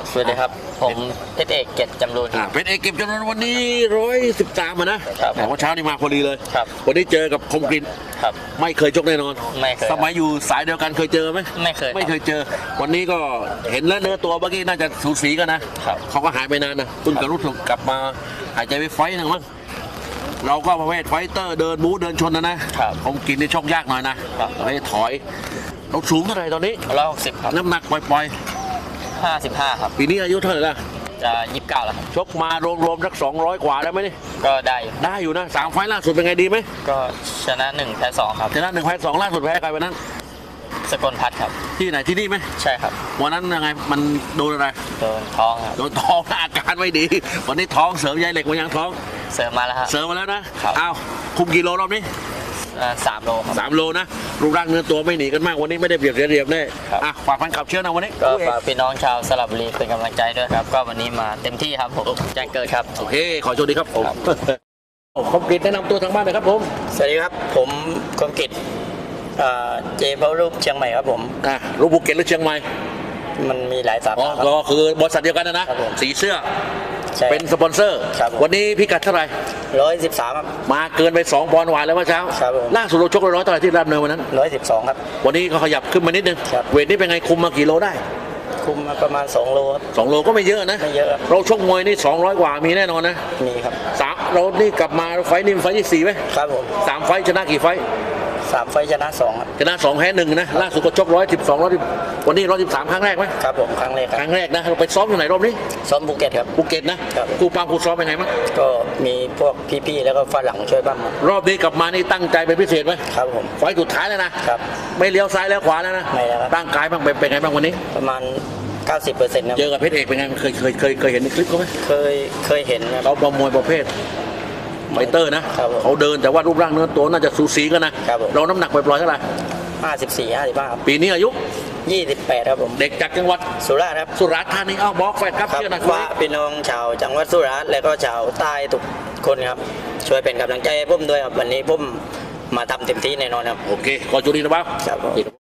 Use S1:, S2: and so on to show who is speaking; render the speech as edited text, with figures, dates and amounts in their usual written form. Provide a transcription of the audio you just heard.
S1: สวัสดีครับผมเพชรเอกเกียรติจำรูน
S2: เพชรเอกเก็บจำนวนวันนี้113นะครับแต่ว่าเช้านี่มาพอดีเลย
S1: ครับ
S2: วันนี้เจอกับคมกริน
S1: ครับ
S2: ไม่เคยชกแน่นอน
S1: ไม่เคย
S2: สมัยอยู่สายเดียวกันเคยเจอไหม
S1: ไม่เคย
S2: เจอวันนี้ก็เห็นแล้วเนื้อตัวเมื่อกี้น่าจะสูสีกันนะครับเขาก็หายไปนานนะคุณกับรุ่นกลับมาหายใจไปไฟนึงมั้งเราก็ประเภทไฟเตอร์เดินบู๊เดินชนนะครับคมกรินนี่ชกยากหน่อยนะประเภทถอยเราสูงเท่าไหร่ตอนนี้
S1: 160ครับ
S2: น้ำหนักปล่อย
S1: 55ครับ
S2: ปีนี้อายุเท่าไหร่ละ
S1: จะ29แล้วครับ
S2: ชกมารวมๆสัก200กว่าได้ไหมนี่
S1: ก็ได้
S2: อยู่นะ3 ไฟล์ล่าสุดเป็นไงดีไหม
S1: ก็ชนะ1แพ้2ครับ
S2: ชนะ1 แพ้ 2ล่าสุดแพ้ใครวันนั้น
S1: สกลพัฒน์ครับ
S2: ที่ไหนที่นี่ไหม
S1: ใช่ครับ
S2: วันนั้นยังไงมันโดนอะไร
S1: โดนท้องครับ
S2: โดนท้องอาการไม่ดีวันนี้ท้องเสริมใยเหล็กมายังท้อง
S1: เสริมมาแล้วครับ
S2: เสริมมาแล้วนะครับอ้าวคุมกี่โลรอบนี้
S1: 3 โลครับ
S2: 3 โลนะรูปร่างเนื้อตัวไม่หนีกันมากวันนี้ไม่ได้เบียดเสียเรียบแน่ฝากแฟนคลับเชื่อนะวันนี้
S1: ก็ฝากพี่น้องชาวสระบุรีเป็นกำลังใจด้วยครับก็วันนี้มาเต็มที่ครับผมแจ้งเกิดครับ
S2: โอเคขอโชคดีครับผมคมกรินแนะนำตัวทางบ้านหน่อยครับผม
S1: สวัสดีครับผมคมกรินเจเบลรูปเชียงใหม่ครับผม
S2: รูปภูเก็ตหรือเชียงใหม่
S1: มันมีหลายสาขา
S2: ก็คือบริษัทเดียวกันนะสีเสื้อเป็นสปอนเซอร์วันนี้พิกัดเท่าไหร่
S1: 113ครับ
S2: มาเกินไป2 ปอนด์หวานแล้วเมื่อเช้าล่าสุดเราชก100เท่าไหร่ที่รับเนินวันนั้น
S1: 112ครับ
S2: วันนี้เขาขยับขึ้นมานิดนึงเวทนี้เป็นไงคุมมากี่โลได้
S1: คุมมาประมาณ2 โลครับ
S2: 2 โลก็ไม่เยอะนะ
S1: ไม่เยอะ
S2: เราชกมวยนี่200กว่ามีแน่นอนนะ
S1: มีครับ
S2: เรานี่กลับมาไฟนี่ไฟที่4ไหม
S1: ครับผม
S2: 3 ไฟชนะกี่ไฟ
S1: 3 ไฟชนะ2ครับ
S2: ชนะ2แพ้1นะล่าสุดก็ชก112วันนี้113ครั้งแรกไหม
S1: ครับผมครั้งแรก
S2: นะเราไปซ้อมอยู่ไหนรอบนี้
S1: ซ้อมภูเก็ตครับ
S2: ภูเก็ตนะครูปามครูซ้อมเป็นไงบ้าง
S1: ก็มีพวกพี่ๆแล้วก็ฝรั่งช่วยบ้าง
S2: รอบนี้กลับมานี่ตั้งใจเป็นพิเศษไหม
S1: ครับผม
S2: ไฟสุดท้ายแล้วนะครับไม่เลี้ยวซ้ายแล้วขวาแล้วนะ
S1: ไม่แล้ว
S2: ร่างกายบ้างเป็นไงบ้างวันนี้
S1: ประมาณ90%นะ
S2: เจอกับเพชรเอกเป็นไงเคยเห็นในคลิปเขาไหม
S1: เคยเห็น
S2: เขาประมวยประเภทไฟเตอร์นะเขาเดินแต่ว่ารูปร่างเนื้อตัวน่าจะสูสีกันนะเราน้ำหนักปล่อยๆเท่าไหร่
S1: 54-55
S2: ปีนี้อายุ
S1: 28ครับผม
S2: เด็กจากจังหวัด
S1: สุราษฎร์ครับ
S2: สุราษฎร์ธานีบอกแฟนครับ
S1: เชื่อนะว่าพี่น้องชาวจังหวัดสุราษฎร์และก็ชาวใต้ทุกคนครับช่วยเป็นกำลังใจให้ผมด้วยครับวันนี้ผมมาทำเต็มที่แน่นอนครับ
S2: โอเคขอจุดนี้นะบ้าง